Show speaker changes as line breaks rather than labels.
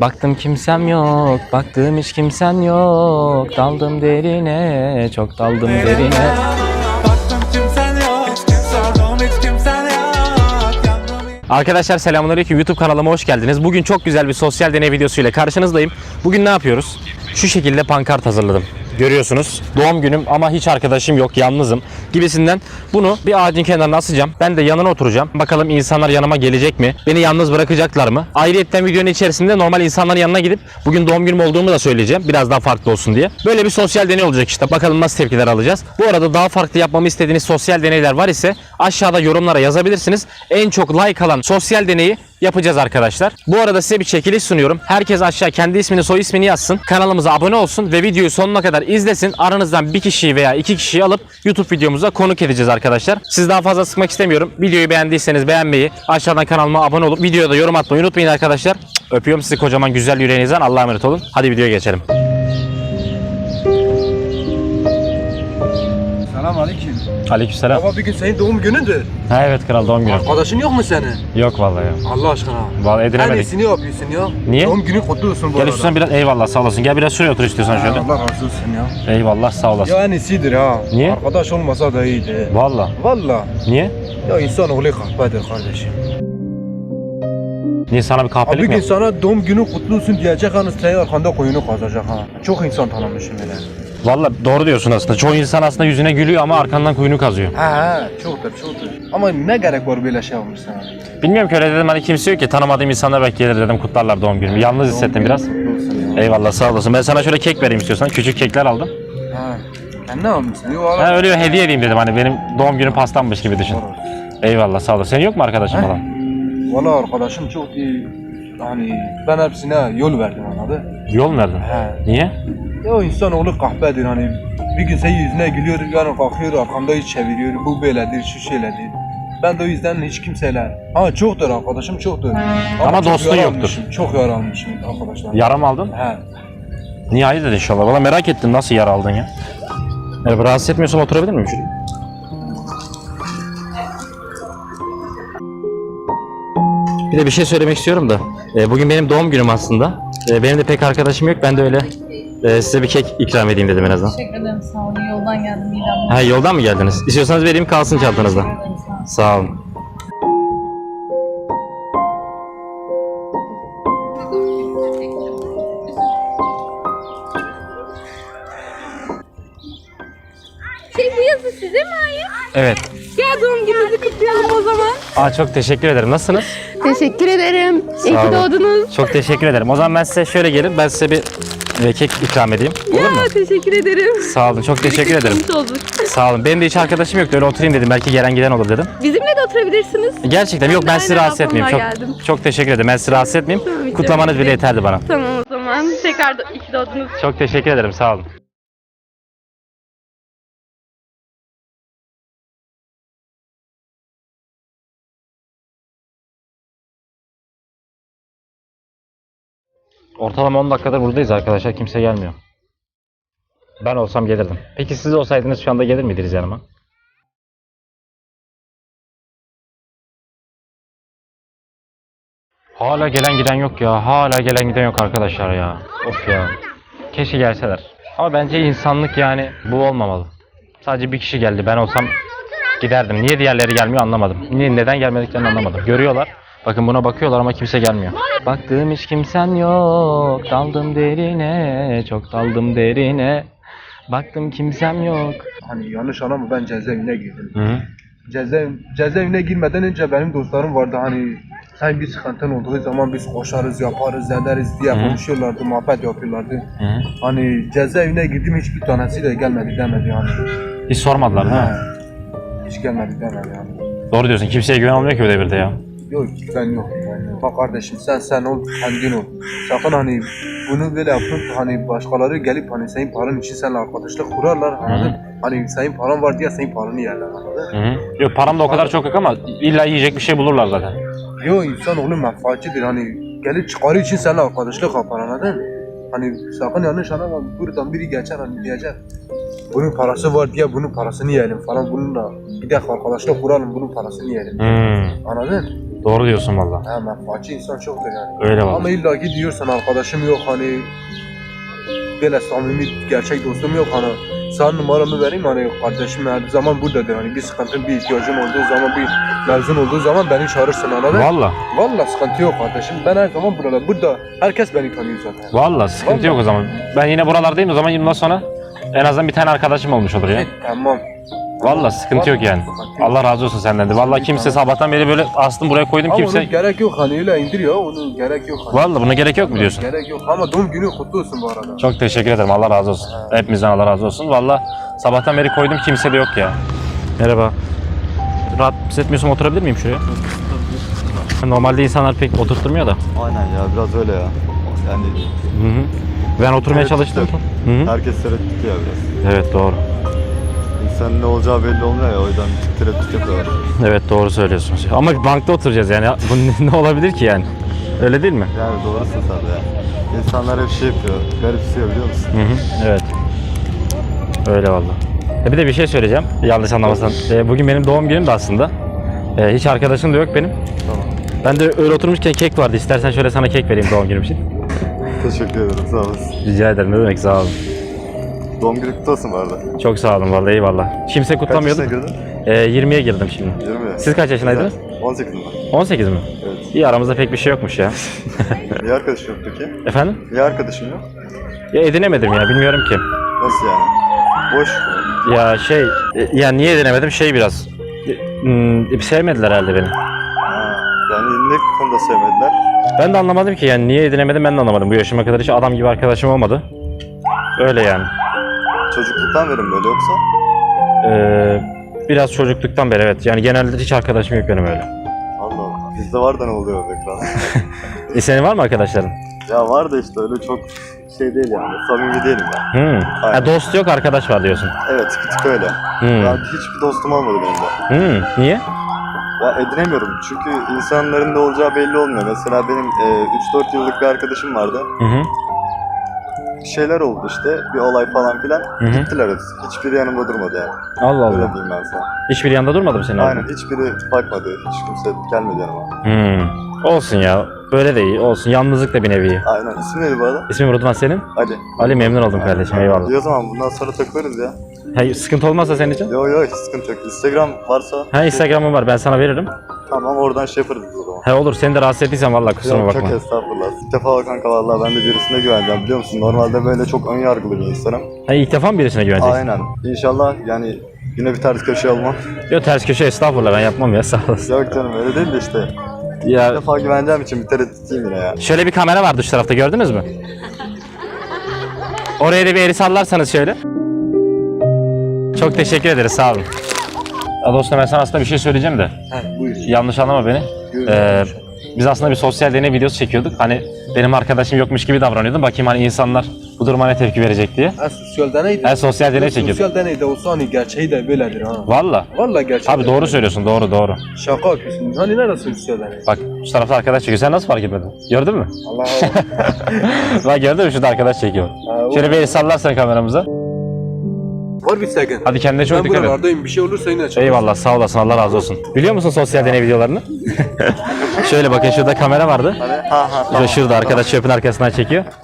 Baktım kimsem yok, baktığım hiç kimsen yok. Daldım derine, çok daldım derine. Arkadaşlar selamünaleyküm, YouTube kanalıma hoş geldiniz. Bugün çok güzel bir sosyal deney videosuyla karşınızdayım. Bugün ne yapıyoruz? Şu şekilde pankart hazırladım. Görüyorsunuz. Doğum günüm ama hiç arkadaşım yok, yalnızım gibisinden. Bunu bir ağacın kenarına asacağım. Ben de yanına oturacağım. Bakalım insanlar yanıma gelecek mi? Beni yalnız bırakacaklar mı? Ayrıyetten videonun içerisinde normal insanların yanına gidip bugün doğum günüm olduğumu da söyleyeceğim. Biraz daha farklı olsun diye. Böyle bir sosyal deney olacak işte. Bakalım nasıl tepkiler alacağız. Bu arada daha farklı yapmamı istediğiniz sosyal deneyler var ise aşağıda yorumlara yazabilirsiniz. En çok like alan sosyal deneyi yapacağız arkadaşlar. Bu arada size bir çekiliş sunuyorum. Herkes aşağı kendi ismini, soy ismini yazsın. Kanalımıza abone olsun ve videoyu sonuna kadar izlesin. Aranızdan bir kişiyi veya iki kişiyi alıp YouTube videomuza konuk edeceğiz arkadaşlar. Siz daha fazla sıkmak istemiyorum. Videoyu beğendiyseniz beğenmeyi, aşağıdan kanalıma abone olup videoda yorum atmayı unutmayın arkadaşlar. Öpüyorum sizi kocaman güzel yüreğinizden. Allah'a emanet olun. Hadi videoya geçelim.
Selamünaleyküm.
Aleykümselam.
Baba bir gün senin doğum günündür.
Ha evet kral, doğum günü.
Arkadaşın yok mu senin?
Yok vallahi ya.
Allah aşkına.
Vallahi
En
edinemedik.
iyisini yapıyorsun ya.
Niye?
Doğum günü kutlu olsun bu
Gel
arada.
üstüne biraz, eyvallah sağ olasın. Gel biraz şuraya otur istiyorsan şöyle.
Allah razı olsun ya.
Eyvallah sağ olasın.
Ya en iyisidir ha.
Niye?
Arkadaş olmasa da iyiydi.
Vallahi.
Valla.
Niye?
Ya insanoğlu kahpedir kardeşim.
Niye, sana bir
Abi
kahpelik
bir
mi?
gün sana doğum günü kutlu olsun diyecek hani senin arkanda koyunu kazacak ha. Çok insan tanımışım öyle.
Vallahi doğru diyorsun aslında. Çoğu insan aslında yüzüne gülüyor ama arkandan kuyunu kazıyor.
He çoktur. Ama ne gerek var böyle şey olmuş sana?
Bilmiyorum ki, öyle dedim, hani kimse yok ki, tanımadığım insanlar belki gelir dedim, kutlarlar doğum günümü. Yalnız hissettim biraz.
Kutlu olsun ya.
Eyvallah sağ olasın. Ben sana şöyle kek vereyim istiyorsan. Küçük kekler aldım.
Ha. Sen ne almışsın? Yok
Ha, öyle hediye edeyim dedim, hani benim doğum günüm pastammış gibi düşün. Eyvallah sağ olasın. Senin yok mu arkadaşın falan?
Valla arkadaşım çok iyi. Hani ben hepsine yol verdim anladın?
Yol mu verdin?
He.
Niye?
Ya o insanoğlu kahpedir hani bir gün senin yüzüne gülüyor, yarın kalkıyor arkamda hiç çeviriyor, bu böyledir, şu şeyledir. Ben de o yüzden hiç kimseyle, ama çoktur arkadaşım çoktur.
Ama
çok
dostun
yaralanmışım, çok yaralanmışım arkadaşlar.
Yara mı aldın?
He.
Niye, hayırdır inşallah. Valla merak ettim, nasıl yara aldın ya? Rahatsız etmiyorsan oturabilir miyim şuraya? Bir de bir şey söylemek istiyorum da. Bugün benim doğum günüm aslında. Benim de pek arkadaşım yok. Ben de öyle size bir kek ikram edeyim dedim en azından.
Teşekkür ederim, sağ olun. Yoldan geldim, midem.
Ha, yoldan mı geldiniz? İstiyorsanız vereyim, kalsın çantanızda.
Teşekkür ederim, sağ olun.
Sağ olun.
Bu yazı size mi ait?
Evet.
Gel doğum gününüzü kutlayalım o zaman.
Çok teşekkür ederim. Nasılsınız?
Teşekkür ederim. İyi
Sağ
ki
olun.
doğdunuz.
Çok teşekkür ederim. O zaman ben size şöyle gelin. Ben size bir kek ikram edeyim. Olur mu?
Teşekkür ederim.
Sağ olun. Çok teşekkür ederim.
Mutlu olduk.
Sağ olun. Benim de hiç arkadaşım yoktu. Öyle oturayım dedim. Belki gelen giden olur dedim.
Bizimle de oturabilirsiniz.
Gerçekten yok, ben sizi
Aynen,
rahatsız etmeyeyim.
ablamla
Çok
geldim.
çok teşekkür ederim. Ben sizi rahatsız etmeyeyim.
Tamam, hiç
Kutlamanız
önemli
bile
değil.
yeterdi bana.
Tamam o zaman. Tekrar iyi ki doğdunuz.
Çok teşekkür ederim. Sağ olun. Ortalama 10 dakikadır buradayız arkadaşlar. Kimse gelmiyor. Ben olsam gelirdim. Peki siz olsaydınız şu anda gelir miydiniz yanıma? Hala gelen giden yok ya. Hala gelen giden yok arkadaşlar ya. Of ya. Keşke gelseler. Ama bence insanlık yani bu olmamalı. Sadece bir kişi geldi. Ben olsam giderdim. Niye diğerleri gelmiyor anlamadım. Neden gelmediklerini anlamadım. Görüyorlar. Bakın buna bakıyorlar ama kimse gelmiyor. Baktığım hiç kimsen yok. Daldım derine. Çok daldım derine. Baktım kimsem yok.
Hani yanlış anlama ben cezaevine girdim.
Hı.
Cezaevine girmeden önce benim dostlarım vardı hani sen bir sıkıntın olduğu zaman biz koşarız, yaparız, ederiz diye konuşuyorlardı, muhabbet yapıyorlardı.
Hı.
Hani cezaevine girdim hiçbir tanesi de gelmedi demedi yani.
Hiç sormadılar değil mi?
Hiç gelmedi demedi yani.
Doğru diyorsun. Kimseye güven olmuyor ki öyle bir de ya.
Yok ben yok. Yani, bak kardeşim sen ol, kendin ol. Sakın hani bunu böyle yapıp hani başkaları gelip hani senin paran için seninle arkadaşlık kurarlar anladın? Hani senin paran var diye senin paranı yerler anladın?
Hı. Yok, param da o kadar çok yok ama illa yiyecek bir şey bulurlar zaten.
Yok insanoğlu menfaatçidir hani gelip çıkarı için seninle arkadaşlık yapar anladın? Hani sakın yanlış anlama buradan biri geçer hani diyecek. Bunun parası var diye bunun parasını yiyelim falan bununla bir dakika arkadaşlık kuralım bunun parasını yiyelim.
Hmm.
Anladın?
Doğru diyorsun valla.
Ha, menfaatçi insan çoktur yani.
Öyle valla.
Ama illa ki diyorsan arkadaşım yok hani böyle samimi gerçek dostum yok hani sana numaramı vereyim hani kardeşim her zaman buradadır hani bir sıkıntın bir ihtiyacın olduğu zaman bir mevzun olduğu zaman beni çağırırsın anladın?
Valla.
Valla sıkıntı yok kardeşim ben her zaman burada herkes beni tanıyor zaten.
Valla sıkıntı
Vallahi.
yok o zaman. Ben yine buralardayım o zaman bundan sonra en azından bir tane arkadaşım olmuş olur ya.
Tamam.
Valla sıkıntı yok yani.
Sıkıntı yok.
Allah razı olsun senden de. Valla kimse sabahtan beri böyle astım buraya koydum
Ama
kimse.
onun gerek yok hani öyle indir ya onun gerek yok. Hani.
Valla buna gerek yok mu diyorsun?
Gerek yok ama doğum günü kutlu olsun bu arada.
Çok teşekkür ederim. Allah razı olsun. Hepimizden Allah razı olsun. Valla sabahtan beri koydum kimse de yok ya. Merhaba. Rahat hissetmiyorsam oturabilir miyim şuraya? Normalde insanlar pek oturtmuyor da.
Aynen ya biraz öyle ya. Yani
Hı hı. Ben oturmaya çalıştım. Hı hı.
herkes tereddütlü ya biraz.
Evet doğru.
İnsanın ne olacağı belli olmuyor ya o yüzden tereddüt yapıyorlar.
Evet doğru söylüyorsunuz. Ama bankta oturacağız yani. Bu ne olabilir ki yani? Öyle değil mi?
Yani doğrusun sen de ya. İnsanlar hep şey yapıyor, garipsiyor biliyor musun?
Hı hı. Evet. Öyle valla. Bir de bir şey söyleyeceğim. Yanlış anlamazsan. Bugün benim doğum günüm de aslında. Hiç arkadaşım da yok benim.
Tamam.
Ben de öyle oturmuşken kek vardı. İstersen şöyle sana kek vereyim doğum günüm için.
Teşekkür ederim sağ olasın.
Rica ederim. Ne demek sağ olun.
Doğum günü kutlu olsun bu arada.
Çok sağ olun vallahi eyvallah. Kimse
Kaç
kutlamıyordu.
yaşına girdin?
20'ye girdim şimdi.
20.
Siz kaç yaşındaydınız?
18 mi?
18 mi?
Evet.
İyi aramızda pek bir şey yokmuş ya.
Niye arkadaşın yok peki?
Efendim?
Niye arkadaşın yok?
Ya edinemedim ya bilmiyorum ki.
Nasıl yani? Boş.
Ya ya niye edinemedim biraz. Sevmediler herhalde beni.
Ha, yani ne konuda sevmediler?
Ben de anlamadım ki yani niye edinemedim ben de anlamadım. Bu yaşıma kadar hiç adam gibi arkadaşım olmadı. Öyle yani.
Çocukluktan beri mi böyle yoksa?
Biraz çocukluktan beri evet. Yani genelde hiç arkadaşım yok benim öyle.
Allah Allah. Bizde var da ne oluyor be kral?
Senin var mı arkadaşların?
Ya var da işte öyle çok şey değil yani. Samimi değilim ben.
Ha, dost yok arkadaş var diyorsun.
Evet bir tık öyle. Ben hiçbir dostum olmadı benim de.
Niye?
Ya edinemiyorum çünkü insanların ne olacağı belli olmuyor. Mesela benim 3-4 yıllık bir arkadaşım vardı.
Hı hı.
Bir şeyler oldu işte, bir olay falan filan.
Hı hı.
Gittiler hepsi. Hiçbiri yanımda durmadı yani.
Allah
Öyle
Allah.
diyeyim ben sana.
Hiçbir yanda durmadı mı senin
Aynen
abi?
hiçbiri bakmadı. Hiç kimse gelmedi yanıma.
Olsun ya. Böyle de iyi. Olsun. Yalnızlık da bir nevi.
Aynen. İsim neydi bu arada?
İsmim Rıdvan senin?
Ali.
Ali memnun oldum kardeşim. Eyvallah.
İyi o zaman bundan sonra takılırız ya.
Ha, sıkıntı olmazsa senin için?
Yo hiç sıkıntı yok. Instagram varsa
Ha Instagram'ım var. Ben sana veririm.
tamam oradan şey yaparız biz o zaman.
Ha olur. Seni de rahatsız ettiysem vallahi kusuruma
Yok,
bakma.
çok estağfurullah. İlk defa kanka vallahi ben de birisine güveneceğim biliyor musun? Normalde böyle çok ön yargılı bir insanım.
Ha ilk defa mı birisine güveneceksin?
Aynen. İnşallah yani yine bir ters köşe olmam.
Yok ters köşe estağfurullah ben yapmam ya sağ olasın.
Yok canım öyle değil de işte. Bir
Ya
defa güveneceğim için bir tereddütlüyüm yine ya.
şöyle bir kamera var dış tarafta gördünüz mü? Oraya da bir eli sallarsanız şöyle. Çok teşekkür ederiz sağ olun. Ya dostum ben sana aslında bir şey söyleyeceğim de.
Heh, buyur.
Yanlış anlama beni. Biz aslında bir sosyal deney videosu çekiyorduk. Hani benim arkadaşım yokmuş gibi davranıyordum. Bakayım hani insanlar bu duruma ne tepki verecek diye.
Sosyal deneydi.
Sosyal deney çekiyorduk.
Sosyal deneyde olsa hani gerçeği de böyledir ha.
Valla.
Vallahi gerçek.
Abi doğru söylüyorsun doğru.
Şaka yapıyorsun. Hani neresi sosyal deney?
Bak şu tarafta arkadaş çekiyor. Sen nasıl fark etmedin? Gördün mü?
Allah Allah.
Bak gördün mü şurada arkadaş çekiyor. Şöyle bir el sallarsan kameramıza.
Var bir sakın.
Hadi kendine çok
Ben
dikkat et.
buralardayım. Bir şey olursa yine çağır.
Eyvallah sağ olasın Allah razı olsun. Biliyor musun sosyal deney videolarını? Şöyle bakın şurada kamera vardı.
Hani ha tamam.
Şurada arkadaş çöpün arkasından çekiyor.